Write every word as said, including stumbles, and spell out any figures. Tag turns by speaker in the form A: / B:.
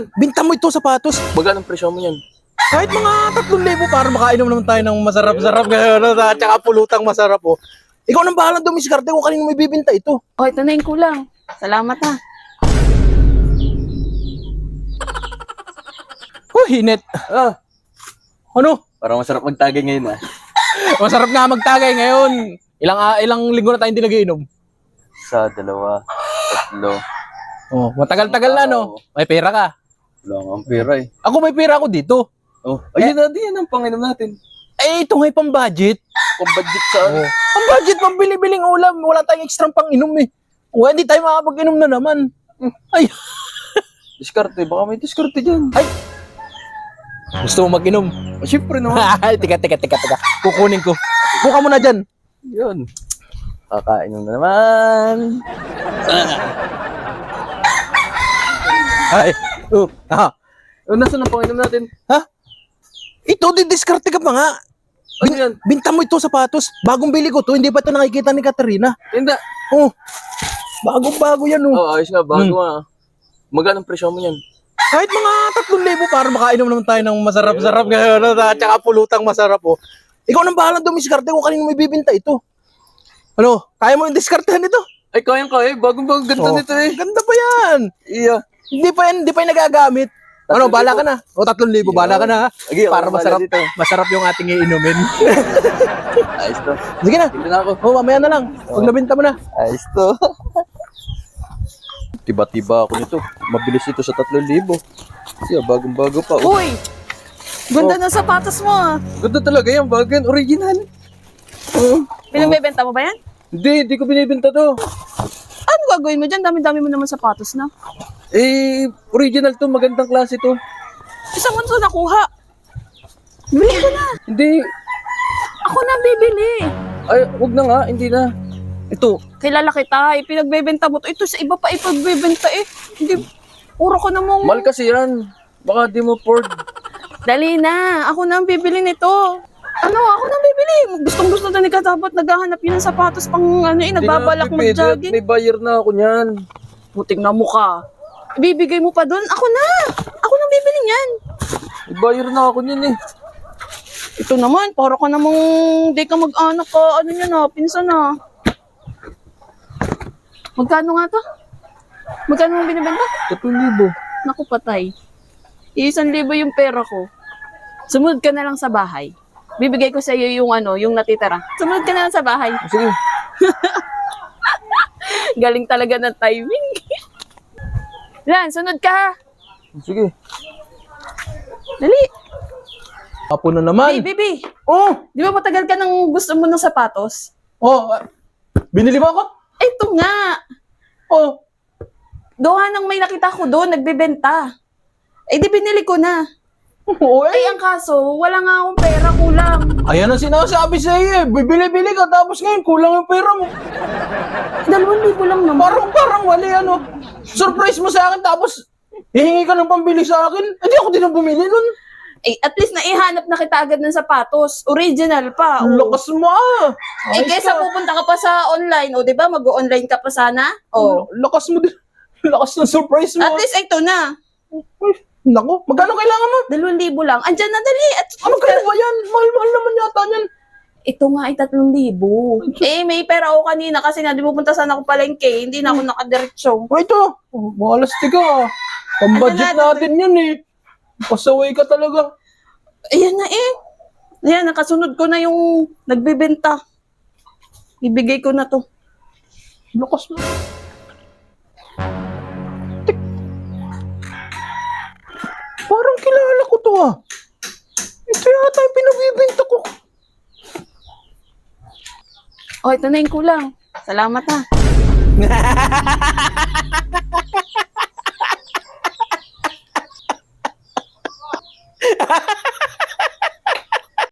A: Binta mo ito sapatos.
B: Magkano ang presyo mo yan?
A: Kahit mga tatlong libo para makainom naman tayo ng masarap-sarap ngayon. At saka pulutang masarap po. Ikaw nang bahalang dumiskarte kung kanino may bibinta ito.
C: O, ito na yung kulang. Salamat ha.
A: Oh, hinit.
B: Ah,
A: Ano?
B: parang masarap magtagay ngayon ah.
A: Masarap nga magtagay ngayon. Ilang ah, ilang linggo na tayo hindi nagiinom.
B: Isa, dalawa, tatlo.
A: Oh, matagal-tagal na no. May pera ka.
B: Wala nga ang pera eh.
A: Ako may pera ako dito.
B: Oh, ayun na, di yan ang panginom natin.
A: Eh, ito nga'y pang-budget.
B: Pambadjit sa ano.
A: Oh. Pang-budget, pambili-biling ulam. Wala tayong extra pang-inom eh. O, hindi tayo makapag-inom na naman. Ay,
B: Diskarte, baka may diskarte dyan.
A: ay. Gusto mo mag-inom?
B: Ah, syempre naman.
A: Ay, tika, tika, tika, tika. Kukunin ko. Buka mo na dyan.
B: Yun. Kakainom na naman.
A: Ay, oh, ha.
B: Oh, nasaan ang panginom natin?
A: Ha? Ito, didiskarte ka pa nga.
B: Ano yan?
A: Binta mo ito sapatos. Bagong bili ko to. Hindi pa ito nakikita ni Katerina.
B: Hindi.
A: Oh, bagong-bago yan oh.
B: Oh, ayos nga, bago
A: Hmm.
B: ah. Magkano ang presyo mo yan?
A: Kahit mga tatlong libo para makainom naman tayo ng masarap-sarap ngayon. At saka pulutang masarap po. Ikaw nang bahalang dumiskarte kung kanino may bibinta ito. Ano? Kaya mo yung diskartehan ito?
B: Ay, kayang kaya. Bagong-bago ganda
A: Oh,
B: nito eh.
A: Ganda pa yan.
B: Iya.
A: Hindi pa yan, hindi pa yan nagagamit. Ano,
B: Tatlong
A: bala
B: libo.
A: ka na. O, tatlong libo, bala ka na ha.
B: Sige,
A: Para
B: ako
A: masarap,
B: bahala dito.
A: masarap yung ating iinumin.
B: Ayos to.
A: Sige na.
B: Tignan na ako.
A: O, mamaya na lang. Pag nabinta mo na.
B: Ayos to. Tiba-tiba ako nito. Mabilis ito sa tatlong libo. Siya, bagong-bago pa. Oh,
C: Uy! Ganda ng sapatos mo ah.
B: ganda talaga yan. Bago yan. Original. Oh.
C: Pinagbebenta mo ba yan?
B: Hindi, hindi ko binibenta to.
C: Ano gagawin mo dyan? Dami-dami mo naman sapatos na.
B: Eh, original to. Magandang klase to.
C: Isang mo ito nakuha. Bili ko na.
B: Hindi.
C: Ako na ang bibili.
B: Ay, wag na nga. Hindi na. Ito.
C: Kilala kita, ipinagbebenta mo to. Ito sa iba pa ipagbebenta eh. Hindi, puro ko namang...
B: Mahal kasi yan. Baka di mo afford.
C: Dali na, ako na ang bibili nito. Ano, ako na ang bibili. Gustong gusto na ni Katapot, naghahanap yun ng sapatos pang ano eh, nagbabalak
B: Hindi na,
C: mag-jogging.
B: may buyer na ako niyan.
C: Puting na mukha. Ibibigay mo pa doon? Ako na! Ako na ang bibili niyan.
B: May buyer na ako niyan eh.
C: Ito naman, para ka namang di ka mag-anak ka, ano niya na, pinsan na. Magkano nga to? Magkano mo binibenta?
B: Tatlong libo.
C: Naku, patay. Isang libo yung pera ko. Sumunod ka na lang sa bahay. Bibigay ko sa iyo yung ano, yung natitira. Sumunod ka na lang sa bahay.
B: Sige.
C: Galing talaga ng timing. Lan, sunod ka ha.
B: Sige.
C: Dali.
A: Apo na naman.
C: Hey, baby.
A: Oh,
C: Di ba matagal ka nang gusto mo ng sapatos?
A: oh, ah, binili mo ako?
C: Ito nga.
A: Oh,
C: Doha nang may nakita ko doon, nagbebenta. Eh di binili ko na.
A: oh
C: Ay,
A: eh.
C: ang kaso, wala nga akong pera, kulang.
A: Ayan ang sinasabi sa iyo eh. Bibili-bili ka tapos ngayon kulang yung pera mo.
C: Dalawang libo lang naman.
A: Parang parang wali ano. Surprise mo sa akin tapos hihingi ka ng pambili sa akin. Hindi ako din ang bumili nun.
C: Eh, at least naihanap na kita agad ng sapatos. Original pa.
A: Ang
C: Oh.
A: lakas mo ah.
C: Eh,
A: Ayos
C: kesa
A: ka.
C: pupunta ka pa sa online, o, di ba? Mag-online ka pa sana. Oh.
A: Lakas mo din. Lakas ng surprise mo.
C: At least, ito na.
A: Ay, naku, magkano kailangan mo?
C: Dalawang libo lang. Andyan na, dali. At
A: Ano kaya ba yan? Mahal-mahal naman yata yan.
C: ito nga ay tatlong libo. Eh, may pera ako kanina kasi nga, di pupunta sana ako palengke. Hindi na ako nakadiretso.
A: O ito, oh, malas ka ah. Pang-budget
C: Ano na,
A: natin yan eh. Pasaway ka talaga.
C: Ayan na eh. Ayan, nakasunod ko na yung nagbebenta. Ibigay ko na to.
A: Lakas mo. Tik. Parang kilala ko to ah. Ito yata yung pinagbibenta ko.
C: Oh, ito na yung kulang. Salamat ha.